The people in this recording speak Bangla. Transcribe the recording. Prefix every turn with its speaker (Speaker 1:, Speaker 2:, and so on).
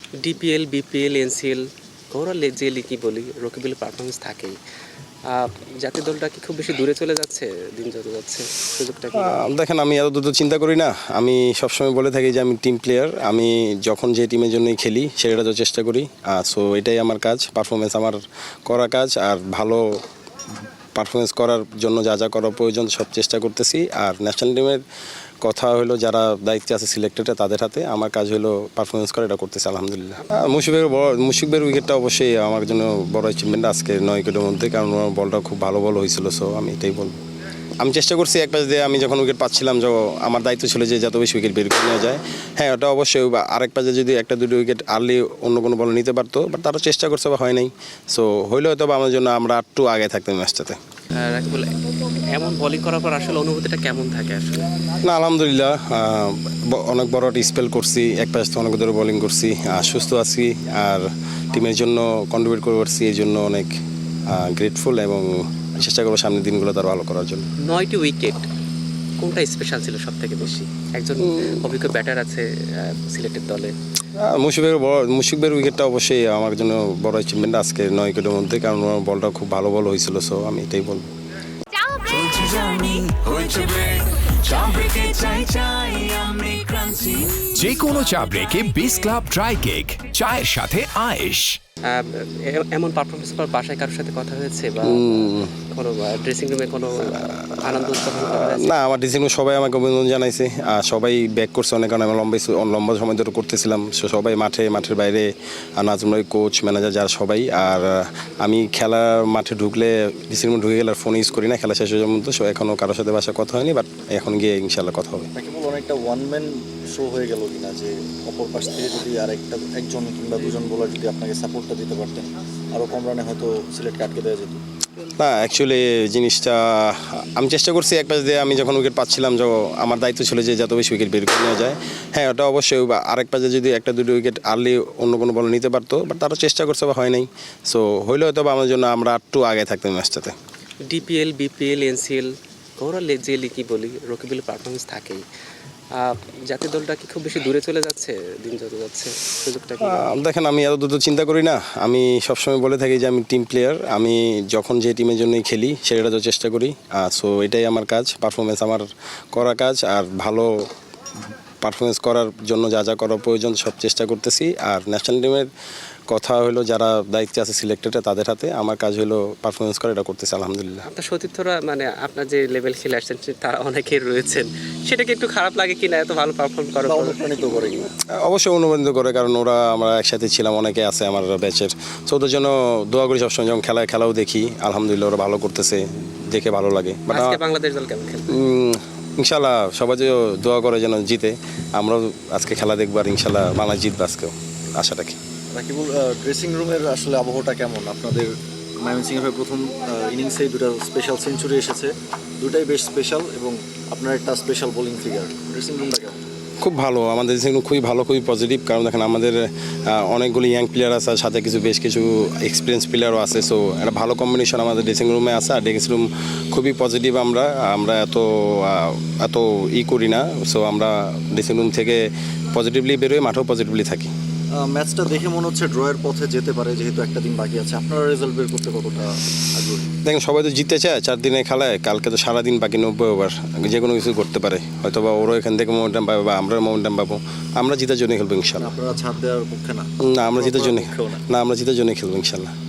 Speaker 1: ডিপিএল, বিপিএল, এনসিএল ওভারঅল যে লিগই বলি রকিবুলের পারফরমেন্স থাকেই। জাতীয় দলটা কি খুব বেশি দূরে চলে যাচ্ছে দিন যত যাচ্ছে? সুযোগটা কি?
Speaker 2: দেখেন, আমি এত দ্রুত চিন্তা করি না। আমি সবসময় বলে থাকি যে আমি টিম প্লেয়ার। আমি যখন যে টিমের জন্যই খেলি সেটা তো চেষ্টা করি। সো এটাই আমার কাজ, পারফরমেন্স আমার করা কাজ। আর ভালো পারফরমেন্স করার জন্য যা যা করা প্রয়োজন সব চেষ্টা করতেছি। আর ন্যাশনাল টিমের কথা হলো যারা দায়িত্বে আছে সিলেক্টেডে তাদের হাতে, আমার কাজ হলো পারফরমেন্স করা, এটা করতেছি আলহামদুলিল্লাহ। মুশফিকের উইকেটটা অবশ্যই আমার জন্য বড় অ্যাচিভমেন্ট আজকে 9 উইকেটের মধ্যে, কারণ ওর বলটা খুব ভালো বল হয়েছিল। সো আমি এটাই বলবো। আমি চেষ্টা করছি এক পাশ দিয়ে, আমি যখন উইকেট পাচ্ছিলাম আমার দায়িত্ব ছিল যে যত বেশি উইকেট বের করে নেওয়া যায়। হ্যাঁ, ওটা অবশ্যই আরেক পাশে যদি একটা দুটো উইকেট আর্লি অন্য কোনো বল নিতে পারতো, বাট তারা চেষ্টা করছে বা হয় নাই। সো হইলে হয়তো আমার জন্য আমরা একটু আগে থাকতাম ম্যাচটাতে।
Speaker 1: রাকিবুল এমন বোলিং করার পর আসলে অনুভূতিটা কেমন থাকে আসলে?
Speaker 2: না, আলহামদুলিল্লাহ, অনেক বড় একটা স্পেল করছি, এক পাশ থেকে অনেক ধরে বোলিং করছি, সুস্থ আছি আর টিমের জন্য কন্ট্রিবিউট করে পারছি, এই জন্য অনেক গ্রেটফুল এবং চেষ্টা করবো সামনের দিনগুলো তার ভালো করার জন্য।
Speaker 1: 9টি উইকেট কোনটা স্পেশাল ছিল সব থেকে বেশি? একজন অভিজ্ঞ ব্যাটার আছে সিলেক্টেড দলে।
Speaker 2: মুশফিকের উইকেটটা অবশ্যই আমার জন্য বড় অ্যাচিভমেন্ট আজকে 9 উইকেটের মধ্যে, কারণ ওর বলটা খুব ভালো বল হয়েছিল। সো আমি এটাই বলবো।
Speaker 3: যে কোনো চা ব্রেকে বিস ক্লাব ড্রাই কেক, চায়ের সাথে আয়েশ।
Speaker 1: এমন পারফরমেন্স পর বাসায় কারোর সাথে কথা হয়েছে বা কোনো ড্রেসিং রুমে কোনো আনন্দ উৎসব হয়েছে?
Speaker 2: না, আমার ড্রেসিং রুমে সবাই আমাকে অভিনন্দন জানাইছে। সবাই ব্যাক করছে অনেক, কারণ আমি লম্বা সময় ধরে করতেছিলাম। সবাই মাঠের বাইরে, নাজমুল ভাই, কোচ, ম্যানেজার, যারা সবাই। আর আমি খেলার মাঠে ঢুকলে ড্রেসিং রুমে ঢুকে গেলে আর ফোন ইউজ করি না খেলা শেষ হয়ে যাওয়ার মতো। সো এখনও কারোর সাথে বাসায় কথা হয়নি, বাট এখন গিয়ে ইনশাল্লাহ কথা হবে।
Speaker 4: অনেকটা ওয়ান ম্যান শো হয়ে গেল কিনা, যে অপর পাশ থেকে যদি আর একজন কিংবা দুজন বোলার যদি আপনাকে সাপোর্টটা দিতে পারতেন, আরও কম রানে হয়তো সিলেটকে আটকে দেওয়া যেত।
Speaker 2: না, অ্যাকচুয়ালি জিনিসটা আমি চেষ্টা করছি এক পাশ দিয়ে, আমি যখন উইকেট পাচ্ছিলাম আমার দায়িত্ব ছিল যে যত বেশি উইকেট বের করে নেওয়া যায়। হ্যাঁ, ওটা অবশ্যই আরেক পাশে যদি একটা দুটো উইকেট আর্লি অন্য কোনো বল নিতে পারতো, বাট তারা চেষ্টা করছে বা হয় নাই। সো হইলে হয়তো আমার জন্য আমরা একটু আগে থাকতাম ম্যাচটাতে।
Speaker 1: ডিপিএল, বিপিএল, এনসিএল ওভারঅল যে লিগই বলি রকিবুলের পারফরমেন্স থাকেই। জাতীয় দলটা কি খুব বেশি দূরে চলে যাচ্ছে দিন যত যাচ্ছে? সুযোগটা কি?
Speaker 2: দেখেন, আমি এত দ্রুত চিন্তা করি না। আমি সবসময় বলে থাকি যে আমি টিম প্লেয়ার। আমি যখন যে টিমের জন্যই খেলি সেটা তো চেষ্টা করি। সো এটাই আমার কাজ, পারফরমেন্স আমার করা কাজ। আর ভালো পারফরমেন্স করার জন্য যা যা করা প্রয়োজন সব চেষ্টা করতেছি। আর ন্যাশনাল টিমের কথা হলো যারা দায়িত্বে আছে সিলেক্টেডে তাদের হাতে, আমার কাজ হলো পারফরমেন্স করা, এটা করতেছি আলহামদুলিল্লাহ।
Speaker 1: আপনার সতীর্থরা মানে আপনার যে লেভেল খেলে আসছেন তারা অনেকেই রয়েছেন, সেটাকে একটু খারাপ লাগে কিনা এত ভালো পারফর্ম করে?
Speaker 4: অনুপ্রাণিত করে কিনা?
Speaker 2: অবশ্যই অনুপ্রাণিত করে, কারণ ওরা আমরা একসাথে ছিলাম, অনেকে আছে আমার ব্যাচের। সো ওদের জন্য দোয়া করি সবসময়, যখন খেলাও দেখি আলহামদুলিল্লাহ ওরা ভালো করতেছে, দেখে ভালো লাগে। বাট
Speaker 1: বাংলাদেশ দল কেমন খেলবে?
Speaker 2: ইনশাল্লাহ সবাই যে দোয়া করে যেন জিতে। আমরাও আজকে খেলা দেখবো আর ইনশাল্লাহ বাংলাদেশ জিতবে আজকেও, আশা রাখি।
Speaker 4: রাকিবুল, ড্রেসিং রুমের আসলে আবহাওয়াটা কেমন? আপনাদের ময়মনসিংহের প্রথম ইনিংসেই দুটো স্পেশাল সেঞ্চুরি এসেছে, দুটাই বেশ স্পেশাল, এবং আপনার একটা স্পেশাল বোলিং ফিগার। ড্রেসিং রুমটা কেমন?
Speaker 2: খুব ভালো, আমাদের ড্রেসিং রুম খুবই ভালো, খুবই পজিটিভ। কারণ দেখেন আমাদের অনেকগুলো ইয়াং প্লেয়ার আছে, সাথে বেশ কিছু এক্সপিরিয়েন্স প্লেয়ারও আছে। সো একটা ভালো কম্বিনেশন আমাদের ড্রেসিং রুমে আছে। আর ড্রেসিং রুম খুবই পজিটিভ। আমরা এত করি না। সো আমরা ড্রেসিং রুম থেকে পজিটিভলি বেরোই, মাঠেও পজিটিভলি থাকি।
Speaker 4: ম্যাচটা দেখে মনে হচ্ছে ড্রয়ের পথে যেতে পারে, যেহেতু একটা দিন বাকি আছে। আপনারা রেজাল্ট বের করতে কতটা আগ্রহী?
Speaker 2: দেখেন, সবাই তো জিততে চায় 4 দিনে খেলায়। কালকে তো সারাদিন বাকি, 90 ওভার, যে কোনো কিছু করতে পারে। হয়তো বা ওরও এখান থেকে মোমেন্টাম পাবে বা আমরাও মোমেন্টাম পাবো। আমরা জিতার জন্য খেলবো ইনশাল্লাহ।
Speaker 4: আপনারা ছাড় দেওয়ার পক্ষে না?
Speaker 2: আমরা জিতার জন্য খেলবো ইনশাল্লাহ।